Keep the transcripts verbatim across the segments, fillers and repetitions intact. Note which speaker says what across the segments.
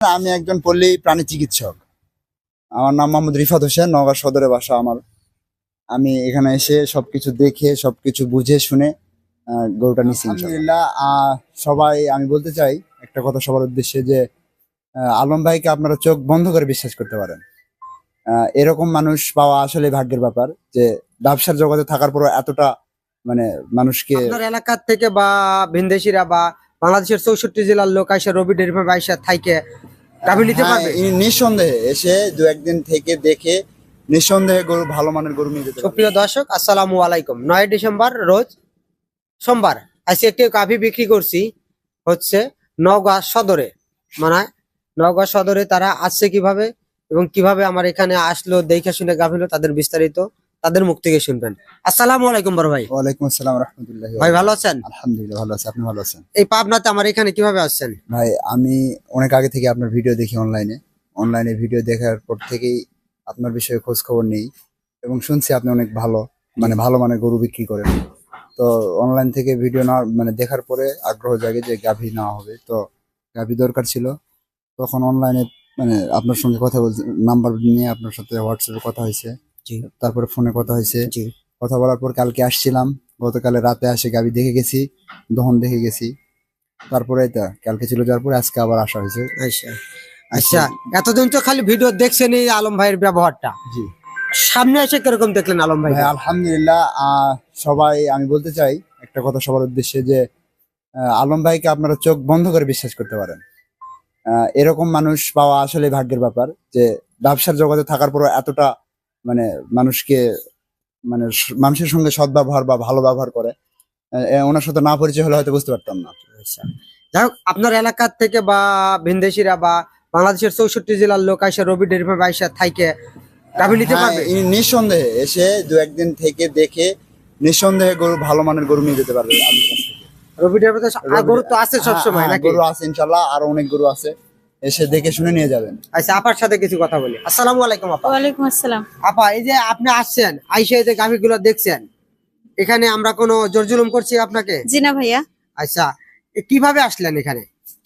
Speaker 1: আমি একজন পল্লী প্রাণী চিকিৎসক। আমার নাম মোহাম্মদ রিফাত হোসেন, নওগাঁ সদরে বাসা আমার। আমি এখানে এসে সবকিছু দেখে সবকিছু বুঝে শুনে আহ, গরুটা নিচ্ছি। আলহামদুলিল্লাহ। আহ, সবাই আমি বলতে চাই একটা কথা সবার উদ্দেশ্যে যে আহ, আলম ভাইকে আপনারা চোখ বন্ধ করে বিশ্বাস করতে পারেন। আহ, এরকম মানুষ পাওয়া আসলে ভাগ্যের ব্যাপার, যে ব্যবসার জগতে থাকার পর এতটা মানে মানুষকে
Speaker 2: আপনার এলাকার থেকে বা ভিনদেশিরা বা বাংলাদেশের চৌষট্টি জেলার লোক আইসা রবি ডেয়ারি ফার্মে আইসা থাইকে গাভী নিতে
Speaker 1: হ্যাঁ,
Speaker 2: পারবে।
Speaker 1: ই- নিঃসন্দেহে এসে দু একদিন থেকে দেখে নিঃসন্দেহে গরু ভালো মানের গরু নিয়ে যেতে পারবে।
Speaker 2: সুপ্রিয় দর্শক, আসসালামু আলাইকুম। নয় ডিসেম্বর রোজ সোমবার আজকে একটি গাভী বিক্রি করছি হচ্ছে নওগাঁ সদরে। মানে নওগাঁ সদরে তারা আসছে কিভাবে এবং কিভাবে আমার এখানে আসলো দেখে শুনে গাভীলো, তাদের বিস্তারিত তাদের মুখ থেকে শুনবেন। আসসালামু আলাইকুম বড় ভাই।
Speaker 1: ওয়ালাইকুম আসসালাম রহমতুল্লাহ।
Speaker 2: ভাই ভালো আছেন?
Speaker 1: আলহামদুলিল্লাহ ভালো আছি, আপনি ভালো আছেন?
Speaker 2: এই পাবনাতে আমার এখানে কিভাবে আসছেন?
Speaker 1: ভাই আমি অনেক আগে থেকে আপনার ভিডিও দেখি অনলাইনে অনলাইনে ভিডিও দেখার পর থেকেই আপনার বিষয়ে খোঁজ খবর নেই এবং শুনছি আপনি অনেক ভালো মানে ভালো মানের গরু বিক্রি করেন। তো অনলাইন থেকে ভিডিও না মানে দেখার পরে আগ্রহ জাগে যে গাভী নেওয়া হবে, তো গাভী দরকার ছিল। তখন অনলাইনে মানে আপনার সঙ্গে কথা বলতে নাম্বার নিয়ে আপনার সাথে হোয়াটসঅ্যাপে কথা হয়েছে,
Speaker 2: জি
Speaker 1: তারপরে ফোনে কথা হয়েছে।
Speaker 2: জি
Speaker 1: কথা বলার পর কালকে আসছিলাম, গতকালে রাতে আসে গাভী দেখে গেছি, দহন দেখে গেছি। তারপরে এটা কালকে ছিল, যাওয়ার পরে আজকে আবার আসা হয়েছে।
Speaker 2: আচ্ছা আচ্ছা, এতদিন তো খালি ভিডিও দেখছেন এই আলম ভাইয়ের ব্যবহারটা,
Speaker 1: জি
Speaker 2: সামনে এসে কিরকম দেখলেন আলম ভাই?
Speaker 1: ভাই আলহামদুলিল্লাহ। আহ, সবাই আমি বলতে চাই একটা কথা সবার উদ্দেশ্যে যে আহ, আলম ভাইকে আপনারা চোখ বন্ধ করে বিশ্বাস করতে পারেন। আহ, এরকম মানুষ পাওয়া আসলে ভাগ্যের ব্যাপার, যে ব্যবসার জগতে থাকার পর এতটা মানে মানুষকে মানে স- মানুষের সঙ্গে সদ্ব্যবহার বা ভালো ব্যবহার করে। আহ, এ- ওনার সাথে না পরিচয় হলে হয়তো বুঝতে পারতাম না।
Speaker 2: আচ্ছা, যাই হোক, আপনার এলাকার থেকে বা ভিনদেশিরা বা বাংলাদেশের চৌষট্টি জেলার লোক আইসা রবি ডেয়ারি ফার্মে আইসা থাইকে গাভী নিতে
Speaker 1: হ্যাঁ,
Speaker 2: পারবে।
Speaker 1: ই- নিঃসন্দেহে এসে দু একদিন থেকে দেখে নিঃসন্দেহে গরু ভালো মানের গরু নিয়ে যেতে পারবে আমার কাছ থেকে।
Speaker 2: রবি ডেয়ারি ফার্মে আর গরু তো আছে
Speaker 1: হ্যাঁ,
Speaker 2: সবসময়
Speaker 1: হ্যাঁ,
Speaker 2: নাকি?
Speaker 1: গরু আছে ইনশাল্লাহ, আরো অনেক গরু আছে, এসে দেখে শুনে নিয়ে যাবেন।
Speaker 2: আচ্ছা, আপার সাথে কিছু কথা বলি। আসসালামু আলাইকুম আপা।
Speaker 3: ওয়ালাইকুম আসসালাম।
Speaker 2: আপা, এই যে আপনি আসছেন আইসা এই যে গাভী গুলো দেখছেন, এখানে আমরা কোনো জোর জুলুম করছি আপনাকে?
Speaker 3: জি না ভাইয়া,
Speaker 2: আচ্ছা, এ কিভাবে আসলেন এখানে?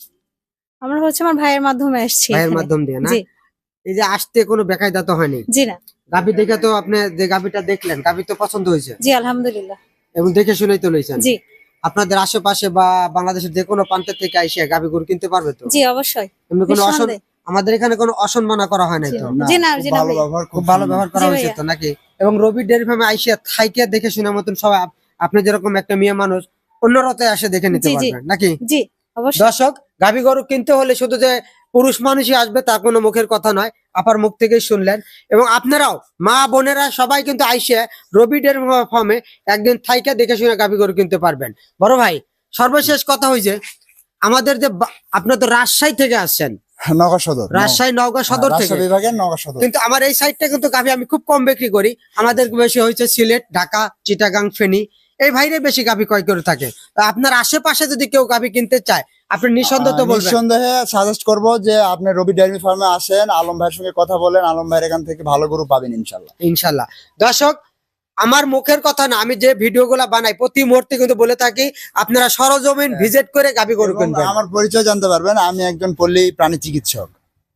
Speaker 3: আমরা হচ্ছে আমার ভাইয়ের মাধ্যমে আসছি
Speaker 2: ভাইয়ের
Speaker 3: এখানে।
Speaker 2: মাধ্যম দিয়ে না?
Speaker 3: জি
Speaker 2: এই যে আসতে কোনো বেকায়দা তো হয়নি?
Speaker 3: জি না,
Speaker 2: গাভী দেখে তো আপনি যে গাভীটা দেখলেন, গাভী তো পছন্দ হয়েছে
Speaker 3: জি আলহামদুলিল্লাহ।
Speaker 2: এবং দেখে শুনেই তো লইছেন।
Speaker 3: জি
Speaker 2: আপনাদের আশেপাশে বা বাংলাদেশের যে কোনো প্রান্ত থেকে আইসে গাভী গরু কিনতে পারবে তো?
Speaker 3: জি অবশ্যই।
Speaker 2: এমনি কোনো অসন
Speaker 3: নিঃসন্দেহে।
Speaker 2: আমাদের এখানে কোনো অসম্মাননা করা হয় নাই
Speaker 3: জি
Speaker 2: তো?
Speaker 3: না। জি না,
Speaker 1: খুব
Speaker 3: জি না
Speaker 1: ভালো
Speaker 3: ভাই।
Speaker 1: ব্যবহার,
Speaker 2: খুব ভালো ব্যবহার করা
Speaker 3: জি
Speaker 2: হয়েছে
Speaker 3: ভাইয়া।
Speaker 2: তো নাকি? এবং রবি ডেয়ারি ফার্মে আইসে থাইকে দেখে শুনে মতন সবাই আপ- আপনি যেরকম একটা মেয়ে মানুষ অন্য রাতে আসে দেখে নিতে
Speaker 3: জি, জি।
Speaker 2: পারবেন নাকি?
Speaker 3: জি অবশ্যই।
Speaker 2: দর্শক, গাভী গরু কিনতে হলে শুধু যে পুরুষ মানুষই আসবে তা কোনো মুখের কথা নয়, আপার মুখ থেকেই শুনলেন। এবং আপনারাও মা বোনেরা সবাই কিন্তু আইসে রবি ডেয়ারি ফার্মে একদিন থাইকে দেখে শুনে গাভী গরু কিনতে পারবেন। বড় ভাই, সর্বশেষ কথা হয়েছে আমাদের যে বা- আপনার তো রাজশাহী থেকে আসছেন,
Speaker 1: নওগাঁ সদর,
Speaker 2: রাজশাহী নওগাঁ সদর
Speaker 1: হ্যাঁ,
Speaker 2: থেকে,
Speaker 1: রাজশাহী বিভাগের নওগাঁ সদর।
Speaker 2: কিন্তু আমার এই সাইডটা কিন্তু গাভী আমি খুব কম বিক্রি করি। আমাদের বেশি হয়েছে সিলেট, ঢাকা, চিটাগাং, ফেনী, এই ভাইরে বেশি গাভী ক্রয় করে থাকে। তা আপনার আশেপাশে যদি কেউ গাভী কিনতে চায়, আপনি নিঃসন্দেহ তো
Speaker 1: আহ,
Speaker 2: বলবেন।
Speaker 1: নিঃসন্দেহে সাজেস্ট করবো যে আপনি রবি ডেয়ারি ফার্মে আসেন, আলম ভাইয়ের সঙ্গে কথা বলেন, আলম ভাইয়ের এখান থেকে ভালো গরু পাবেন ইনশাল্লাহ।
Speaker 2: ইনশাল্লাহ। দর্শক, আমার মুখের কথা না, আমি যে ভিডিও গুলা বানাই প্রতি মুহূর্তে কিন্তু বলে থাকি আপনারা সরজমিন ভিজিট করে গাভী গরু
Speaker 1: এবং
Speaker 2: কিনবেন।
Speaker 1: আমার পরিচয় জানতে পারবেন, আমি একজন পল্লী প্রাণী চিকিৎসক।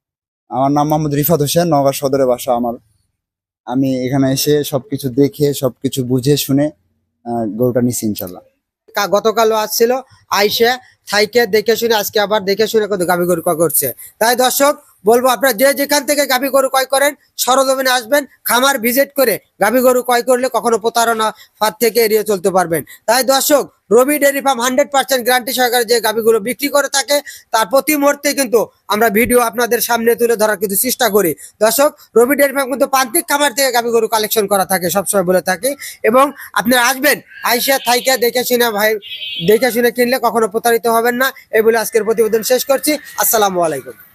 Speaker 1: আমার নাম মোহাম্মদ রিফাত হোসেন, নওগাঁ সদরে বাসা আমার। আমি এখানে এসে সবকিছু দেখে সবকিছু বুঝে শুনে আহ, গরুটা নিচ্ছি ইনশাল্লাহ।
Speaker 2: কা- গতকালও আসছিল, আইসে থাইকে দেখে শুনে আজকে আবার দেখে শুনে কিন্তু গাভী গরু ক্রয় করছে। তাই দর্শক বলবো, আপনারা যে যেখান থেকে গাভী গরু ক্রয় করেন সরজমিনে আসবেন, খামার ভিজিট করে গাভী গরু ক্রয় করলে কখনো প্রতারণা ফাঁদ থেকে এড়িয়ে চলতে পারবেন। তাই দর্শক, Rabi dairy farm hundred percent guarantee সহকারে যে গাভীগুলো বিক্রি করে থাকে তার প্রতি মুহূর্তে কিন্তু আমরা ভিডিও আপনাদের সামনে তুলে ধরার কিন্তু চেষ্টা করি। দর্শক, রবি ডেয়ারি ফার্ম কিন্তু প্রান্তিক খামার থেকে গাভী গরু কালেকশন করা থাকে, সবসময় বলে থাকি। এবং আপনারা আসবেন আইসা থাইকা দেখে শুনে ভাই দেখে শুনে কিনলে কখনো প্রতারিত হবেন না। এই বলে আজকের প্রতিবেদন শেষ করছি। আসসালামু আলাইকুম।